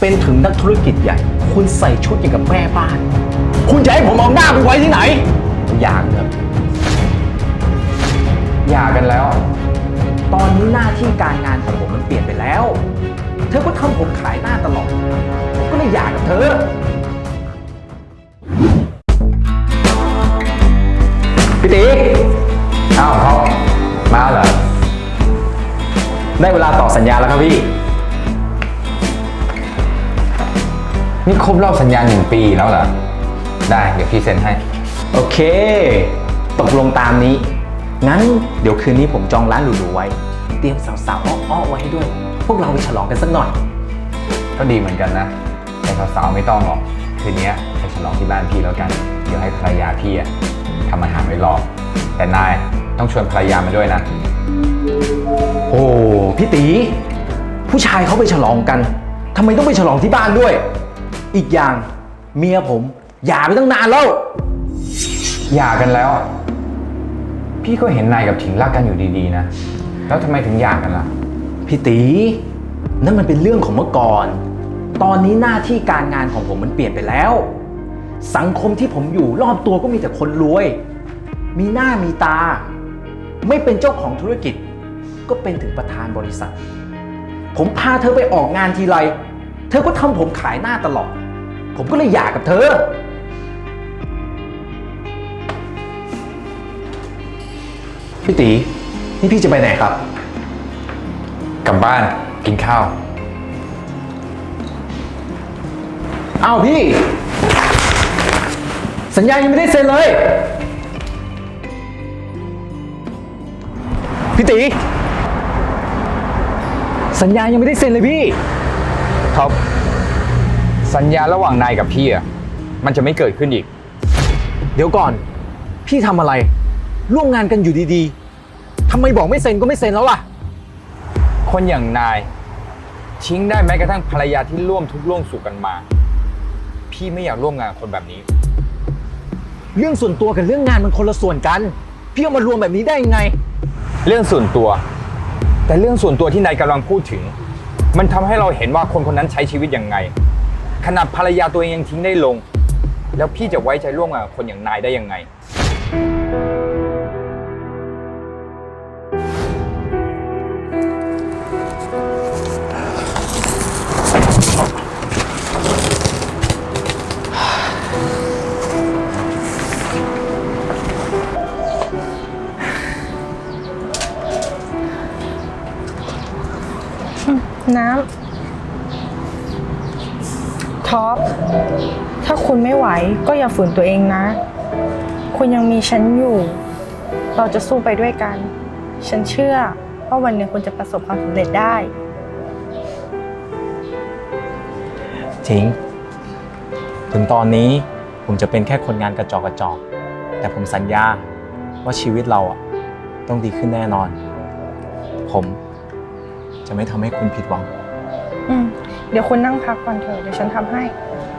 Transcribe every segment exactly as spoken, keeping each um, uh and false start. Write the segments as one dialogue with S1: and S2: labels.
S1: เป็นถึงนักธุรกิจใหญ่คุณใส่ชุดอย่างกับแม่บ้านคุณจะให้ผมเอาหน้าไปไว้ที่ไหนอย่างเถอะหย่ากันแล้ว ตอนนี้หน้าที่การงานของผมมันเปลี่ยนไปแล้ว เธอก็ทำผมขายหน้าตลอดผมก็เลยหย่ากับเธอพี่ตีอ้าวเขามาเหรอได้เวลาต่อสัญญาแล้วครับพี่
S2: นี่ครบรอบสัญญาหนึ่งปีแล้วเหรอได้เดี๋ยวพี่เซ็นให้
S1: โอเคตกลงตามนี้งั้นเดี๋ยวคืนนี้ผมจองร้านหรูๆไว้เตรียมสาวๆอ้อๆไว้ให้ด้วยพวกเราไปฉลองกันสักหน่อย
S2: ก็ดีเหมือนกันนะแต่สาวๆไม่ต้องหรอกคืนนี้ไปฉลองที่บ้านพี่แล้วกันเดี๋ยวให้ภรรยาพี่อะทำอาหารไว้รอแต่นายต้องชวนภรรยามาด้วยนะ
S1: โอ้พี่ตีผู้ชายเขาไปฉลองกันทำไมต้องไปฉลองที่บ้านด้วยอีกอย่างเมียผมหย่าไปตั้งนานแล้ว
S2: หย่ากันแล้วพี่ก็เห็นนายกับถิงรักกันอยู่ดีๆนะแล้วทำไมถึงหย่ากันล่ะ
S1: พี่ตีนั่นมันเป็นเรื่องของเมื่อก่อนตอนนี้หน้าที่การงานของผมมันเปลี่ยนไปแล้วสังคมที่ผมอยู่รอบตัวก็มีแต่คนรวยมีหน้ามีตาไม่เป็นเจ้าของธุรกิจก็เป็นถึงประธานบริษัทผมพาเธอไปออกงานทีไรเธอก็ทำผมขายหน้าตลอดผมก็เลยหย่ากับเธอพี่ตีนี่พี่จะไปไหนครับ
S2: กลับบ้านกินข้าว
S1: อ้าวพี่สัญญายังไม่ได้เซ็นเลยพี่ตีสัญญายังไม่ได้เซ็นเลยพี่
S2: ครับสัญญาระหว่างนายกับพี่อ่ะมันจะไม่เกิดขึ้นอีก
S1: เดี๋ยวก่อนพี่ทำอะไรร่วมงานกันอยู่ดีๆทำไมบอกไม่เซ็นก็ไม่เซ็นแล้วล่ะ
S2: คนอย่างนายทิ้งได้แม้กระทั่งภรรยาที่ร่วมทุกข์ร่วมสุขกันมาพี่ไม่อยากร่วมงานกับคนแบบนี้
S1: เรื่องส่วนตัวกับเรื่องงานมันคนละส่วนกันพี่เอามารวมแบบนี้ได้ยังไง
S2: เรื่องส่วนตัวแต่เรื่องส่วนตัวที่นายกำลังพูดถึงมันทำให้เราเห็นว่าคนคนนั้นใช้ชีวิตยังไงขนาดภรรยาตัวเองยังทิ้งได้ลงแล้วพี่จะไว้ใจร่วมงานกับคนอย่างนายได้ยังไง
S3: น้ำท็อปถ้าคุณไม่ไหวก็อย่าฝืนตัวเองนะคุณยังมีฉันอยู่เราจะสู้ไปด้วยกันฉันเชื่อว่าวันหนึ่งคุณจะประสบความสำเร็จได้
S1: จริงถึงตอนนี้ผมจะเป็นแค่คนงานกระจอกกระจอกแต่ผมสัญญาว่าชีวิตเราอ่ะต้องดีขึ้นแน่นอนผมจะไม่ทำให้คุณผิดหวัง
S3: อืมเดี๋ยวคุณนั่งพักก่อนเถอะเดี๋ยวฉันทำให้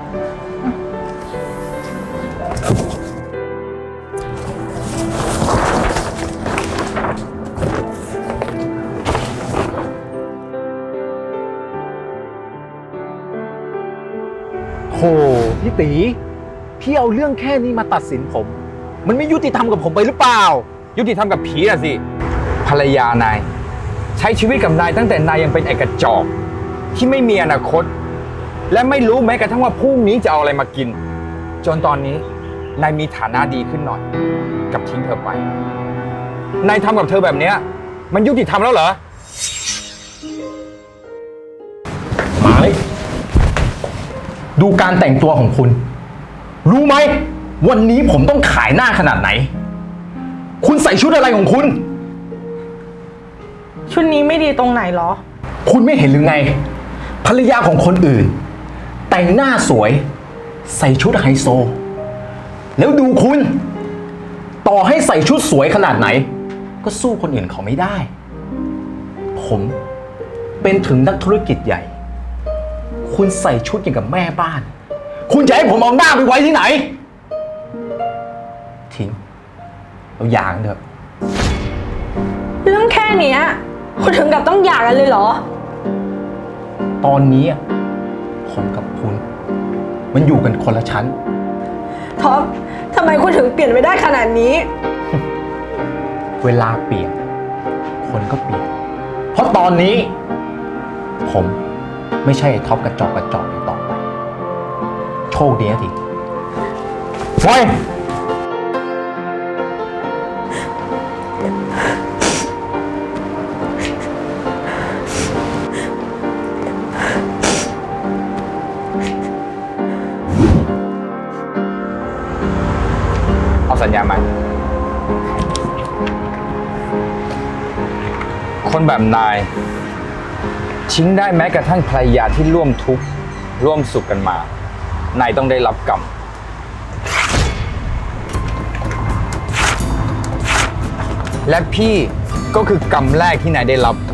S1: โหพี่ตีพี่เอาเรื่องแค่นี้มาตัดสินผมมันไม่ยุติธรรมกับผมไปหรือเปล่า
S2: ยุติธรรมกับผีอะสิภรรยานายใช้ชีวิตกับนายตั้งแต่นายยังเป็นไอ้กระจอกที่ไม่มีอนาคตและไม่รู้แม้กระทั่งว่าพรุ่งนี้จะเอาอะไรมากินจนตอนนี้นายมีฐานะดีขึ้นหน่อยกับทิ้งเธอไปนายทำกับเธอแบบนี้มันยุติธรรมแล้วเหรอ
S1: มาเลยดูการแต่งตัวของคุณรู้ไหมวันนี้ผมต้องขายหน้าขนาดไหนคุณใส่ชุดอะไรของคุณ
S3: ชุดนี้ไม่ดีตรงไหนหรอ
S1: คุณไม่เห็นหรือไงภรรยาของคนอื่นแต่งหน้าสวยใส่ชุดไฮโซแล้วดูคุณต่อให้ใส่ชุดสวยขนาดไหนก็สู้คนอื่นเขาไม่ได้ผมเป็นถึงนักธุรกิจใหญ่คุณใส่ชุดอย่างกับแม่บ้านคุณจะให้ผมเอาหน้าไปไว้ที่ไหนทิ้งเอาอย่างเถอะ
S3: เรื่องแค่เนี้ยคุณถึงกับต้องหย่ากันเลยเหรอ
S1: ตอนนี้ผผมกับคุณ มันอยู่กันคนละชั้น
S4: ท็อปทำไมคุณถึงเปลี่ยนไปได้ขนาดนี้
S1: เวลาเปลี่ยน คนก็เปลี่ยน เพราะตอนนี้ ผมไม่ใช่ไอ้ท็อปกระจอกกระจอกอีกต่อไป โชคดีนะที
S2: เฮ้ย เอาสัญญามาคนแบบนายทิ้งได้แม้กระทั่งภรรยาที่ร่วมทุกข์ร่วมสุขกันมา นายต้องได้รับกรรม และพี่ก็คือกรรมแรกที่นายได้รับ